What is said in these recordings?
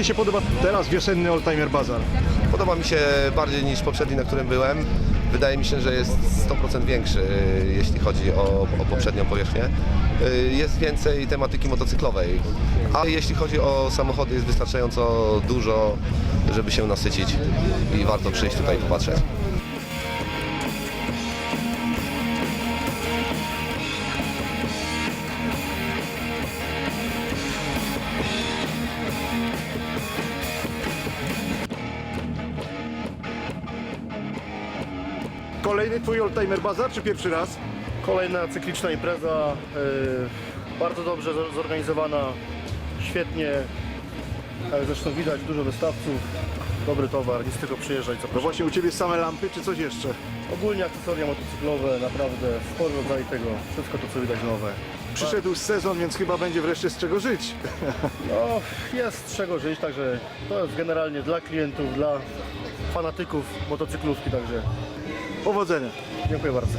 się podoba teraz wiosenny Oldtimer Bazar? Podoba mi się bardziej niż poprzedni, na którym byłem. Wydaje mi się, że jest 100% większy, jeśli chodzi o poprzednią powierzchnię. Jest więcej tematyki motocyklowej, a jeśli chodzi o samochody, jest wystarczająco dużo, żeby się nasycić i warto przyjść tutaj i popatrzeć. Kolejny twój Oldtimer Bazar, czy pierwszy raz? Kolejna cykliczna impreza, bardzo dobrze zorganizowana, świetnie, jak zresztą widać dużo wystawców, dobry towar, nic tylko przyjeżdżać. No właśnie, u ciebie same lampy, czy coś jeszcze? Ogólnie akcesoria motocyklowe, naprawdę spory rodzaj tego, wszystko to co widać nowe. Przyszedł sezon, więc chyba będzie wreszcie z czego żyć. No, jest z czego żyć, także to jest generalnie dla klientów, dla fanatyków motocyklówki, także Powodzenia. dziękuję bardzo.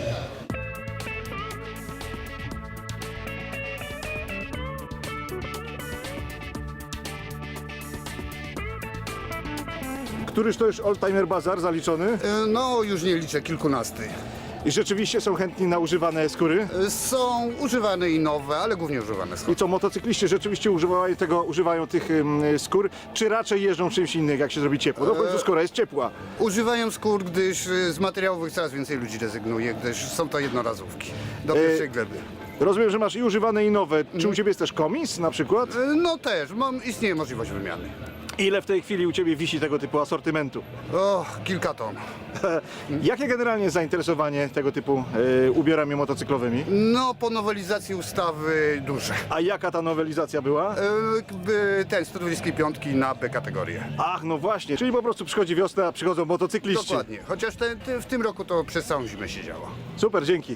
Któryż to już Oldtimer Bazar zaliczony? No, już nie liczę, kilkunasty. I rzeczywiście są chętni na używane skóry? Są używane i nowe, ale głównie używane I są. co, motocykliści rzeczywiście używają tych skór, czy raczej jeżdżą czymś innym, jak się zrobi ciepło? No w końcu skóra jest ciepła. Używają skór, gdyż z materiałów coraz więcej ludzi rezygnuje, gdyż są to jednorazówki do pierwszej gleby. Rozumiem, że masz i używane, i nowe. Czy u ciebie jest też komis na przykład? No też, istnieje możliwość wymiany. Ile w tej chwili u ciebie wisi tego typu asortymentu? O, kilka ton. Jakie generalnie jest zainteresowanie tego typu ubiorami motocyklowymi? No, po nowelizacji ustawy duże. A jaka ta nowelizacja była? Ten 125 na B kategorię. Ach, no właśnie, czyli po prostu przychodzi wiosna, a przychodzą motocykliści. Dokładnie, chociaż w tym roku to przez całą zimę się działa. Super, dzięki.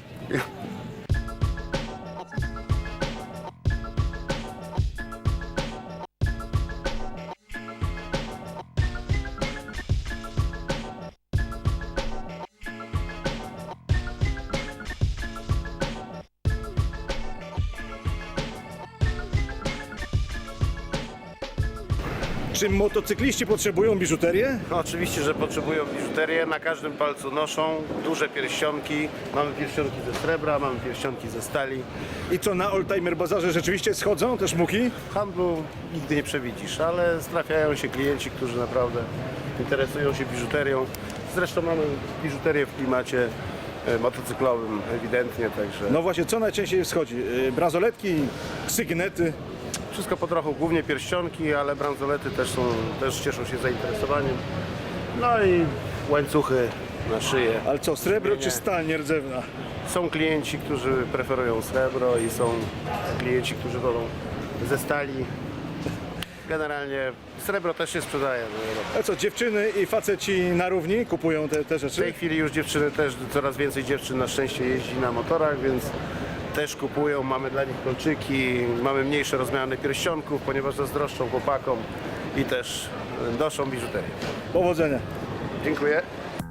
Czy motocykliści potrzebują biżuterię? No, oczywiście, że potrzebują biżuterię, na każdym palcu noszą duże pierścionki, mamy pierścionki ze srebra, mamy pierścionki ze stali. I co, na Oldtimer Bazarze rzeczywiście schodzą te szmuki? W handlu nigdy nie przewidzisz, ale trafiają się klienci, którzy naprawdę interesują się biżuterią. Zresztą mamy biżuterię w klimacie motocyklowym ewidentnie, także No właśnie, co najczęściej schodzi? Bransoletki, sygnety. wszystko po trochu, głównie pierścionki, ale bransolety też cieszą się zainteresowaniem. No i łańcuchy na szyję. Ale co, srebro Nie. czy stal nierdzewna? Są klienci, którzy preferują srebro i są klienci, którzy wolą ze stali. Generalnie srebro też się sprzedaje. A co, dziewczyny i faceci na równi kupują te W tej rzeczy? chwili już dziewczyny też, coraz więcej dziewczyn na szczęście jeździ na motorach, więc też kupują. Mamy dla nich kolczyki, mamy mniejsze rozmiany pierścionków, ponieważ zazdroszczą chłopakom i też noszą biżuterię. Powodzenia. Dziękuję.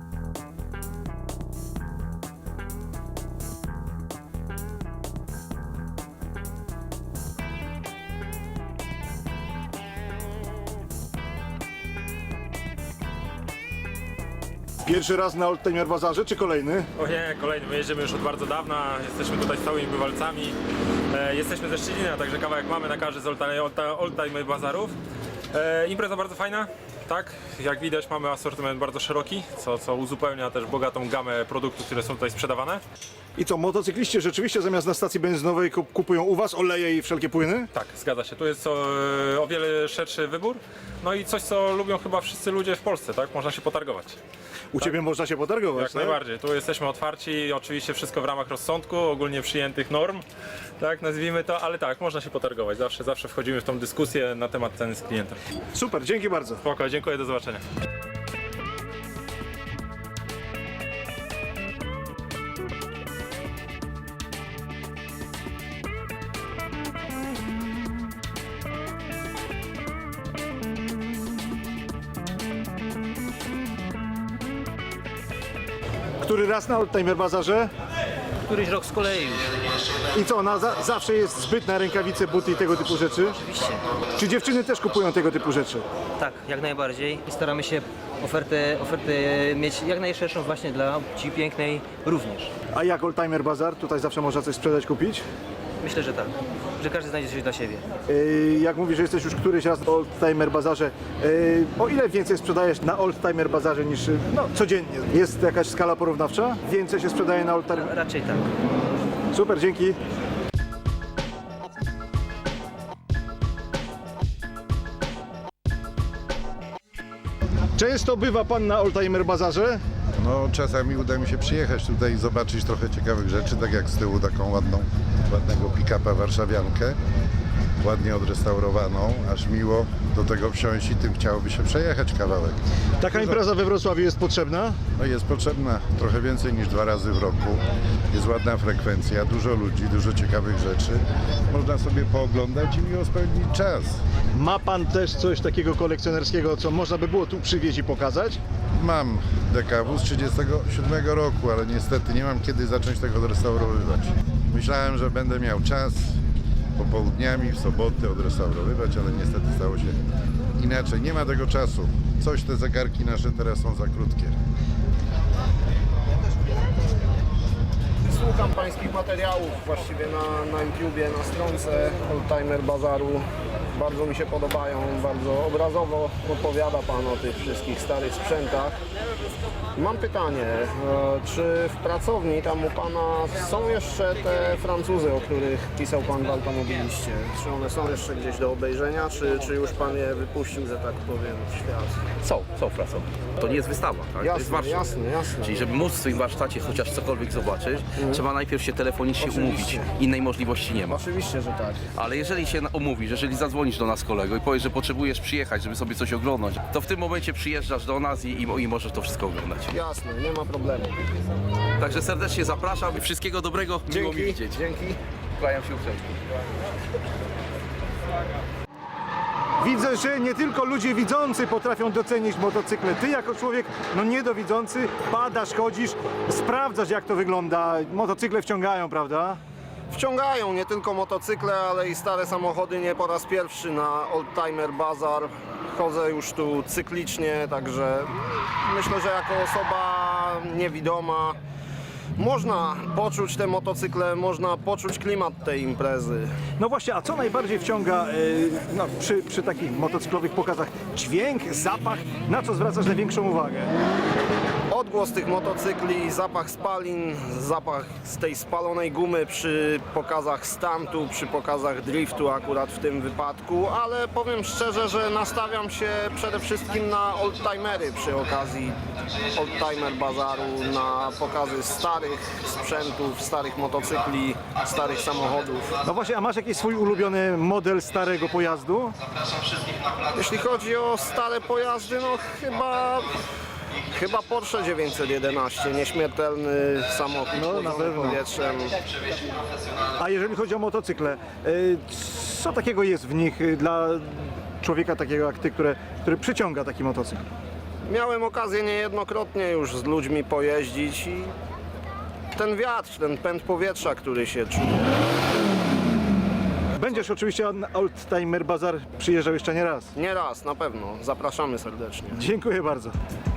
Pierwszy raz na Oldtimer Bazarze, czy kolejny? O nie, kolejny. My jedziemy już od bardzo dawna, jesteśmy tutaj stałymi bywalcami. Jesteśmy ze Szczecina, także kawałek mamy na każdy z Oldtimer Bazarów. Impreza bardzo fajna, tak? Jak widać mamy asortyment bardzo szeroki, co uzupełnia też bogatą gamę produktów, które są tutaj sprzedawane. I co, motocykliści rzeczywiście zamiast na stacji benzynowej kupują u was oleje i wszelkie płyny? Tak, zgadza się. Tu jest o wiele szerszy wybór. No i coś, co lubią chyba wszyscy ludzie w Polsce, tak? Można się potargować. U ciebie można się potargować, Jak tak? najbardziej. Tu jesteśmy otwarci, oczywiście wszystko w ramach rozsądku, ogólnie przyjętych norm, tak nazwijmy to, ale tak, można się potargować. Zawsze wchodzimy w tą dyskusję na temat ceny z klientem. Super, dzięki bardzo. Spoko, dziękuję, do zobaczenia. Który raz na Oldtimer Bazarze? któryś rok z kolei już. I co, zawsze jest zbyt na rękawice, buty i tego typu rzeczy? Oczywiście. Czy dziewczyny też kupują tego typu rzeczy? Tak, jak najbardziej. I staramy się ofertę mieć jak najszerszą właśnie dla płci pięknej również. A jak Oldtimer Bazar? Tutaj zawsze można coś sprzedać, kupić? Myślę, że tak. Że każdy znajdzie coś dla siebie. Jak mówisz, że jesteś już któryś raz na Oldtimer Bazarze, o ile więcej sprzedajesz na Oldtimer Bazarze niż codziennie? Jest jakaś skala porównawcza? Więcej się sprzedaje na Oldtimer? Raczej tak. Super, dzięki. Często bywa pan na Oldtimer Bazarze? No, czasami uda mi się przyjechać tutaj i zobaczyć trochę ciekawych rzeczy, tak jak z tyłu taką ładnego pick-upa warszawiankę, ładnie odrestaurowaną, aż miło do tego wsiąść i tym chciałoby się przejechać kawałek. Taka impreza we Wrocławiu jest potrzebna? No, jest potrzebna trochę więcej niż 2 razy w roku, jest ładna frekwencja, dużo ludzi, dużo ciekawych rzeczy, można sobie pooglądać i miło spędzić czas. Ma pan też coś takiego kolekcjonerskiego, co można by było tu przywieźć i pokazać? Mam DKW z 1937 roku, ale niestety nie mam kiedy zacząć tego odrestaurowywać. Myślałem, że będę miał czas popołudniami, w soboty odrestaurowywać, ale niestety stało się inaczej. Nie ma tego czasu. Coś te zegarki nasze teraz są za krótkie. Słucham pańskich materiałów właściwie na YouTubie, na stronce Oldtimer Bazaru. Bardzo mi się podobają, bardzo obrazowo opowiada pan o tych wszystkich starych sprzętach. Mam pytanie, czy w pracowni tam u pana są jeszcze te Francuzy, o których pisał pan w Automobiliście? Czy one są jeszcze gdzieś do obejrzenia, czy już pan je wypuścił, że tak powiem, w świat? Są pracownie. To nie jest wystawa, tak? To jest warsztat. Jasne. Czyli żeby móc w swoim warsztacie chociaż cokolwiek zobaczyć, trzeba najpierw się telefonicznie umówić. Innej możliwości nie ma. Oczywiście, że tak. Ale jeżeli się umówisz, jeżeli zadzwonisz do nas kolego i powiesz, że potrzebujesz przyjechać, żeby sobie coś oglądać, to w tym momencie przyjeżdżasz do nas i możesz to wszystko oglądać. Jasne, nie ma problemu. Także serdecznie zapraszam i wszystkiego dobrego, miło mi widzieć. Dzięki. Kłaniam się uprzejmie. Widzę, że nie tylko ludzie widzący potrafią docenić motocykle. Ty jako człowiek niedowidzący badasz, chodzisz, sprawdzasz jak to wygląda. Motocykle wciągają, prawda? Wciągają nie tylko motocykle, ale i stare samochody. Nie po raz pierwszy na Oldtimer Bazar. Chodzę już tu cyklicznie, także myślę, że jako osoba niewidoma można poczuć te motocykle, można poczuć klimat tej imprezy. No właśnie, a co najbardziej wciąga przy takich motocyklowych pokazach? Dźwięk, zapach? Na co zwracasz największą uwagę? Odgłos tych motocykli, zapach spalin, zapach z tej spalonej gumy przy pokazach stuntu, przy pokazach driftu akurat w tym wypadku, ale powiem szczerze, że nastawiam się przede wszystkim na oldtimery przy okazji Oldtimer Bazaru, na pokazy starych sprzętów, starych motocykli, starych samochodów. No właśnie, a masz jakiś swój ulubiony model starego pojazdu? Jeśli chodzi o stare pojazdy, no chyba Porsche 911, nieśmiertelny samochód No, na pewno. powietrzem. A jeżeli chodzi o motocykle, co takiego jest w nich dla człowieka takiego jak ty, który przyciąga taki motocykl? Miałem okazję niejednokrotnie już z ludźmi pojeździć i ten wiatr, ten pęd powietrza, który się czuje. Będziesz oczywiście na Oldtimer Bazar przyjeżdżał jeszcze nie raz. Nie raz, na pewno. Zapraszamy serdecznie. Dziękuję bardzo.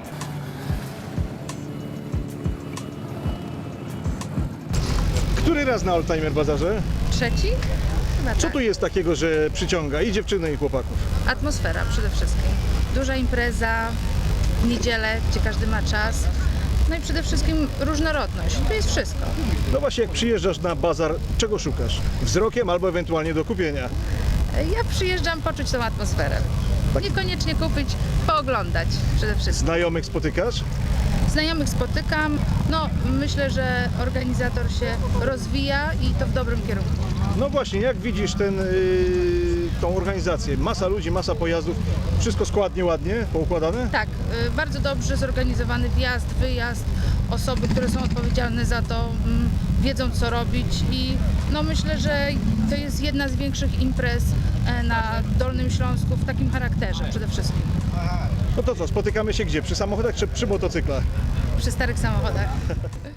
Który raz na Oldtimer Bazarze? Trzeci? Chyba Co tak. tu jest takiego, że przyciąga i dziewczyny i chłopaków? Atmosfera przede wszystkim. Duża impreza, w niedzielę, gdzie każdy ma czas. No i przede wszystkim różnorodność. Tu jest wszystko. No właśnie, jak przyjeżdżasz na bazar, czego szukasz? Wzrokiem albo ewentualnie do kupienia? Ja przyjeżdżam poczuć tą atmosferę. Niekoniecznie kupić, pooglądać przede wszystkim. Znajomych spotykasz? Znajomych spotykam. No myślę, że organizator się rozwija i to w dobrym kierunku. No właśnie, jak widzisz tą organizację? Masa ludzi, masa pojazdów, wszystko składnie, ładnie poukładane? Tak, bardzo dobrze zorganizowany wjazd, wyjazd. Osoby, które są odpowiedzialne za to, wiedzą co robić i no myślę, że to jest jedna z większych imprez na Dolnym Śląsku w takim charakterze przede wszystkim. No to co, spotykamy się gdzie? Przy samochodach czy przy motocyklach? Przy starych samochodach.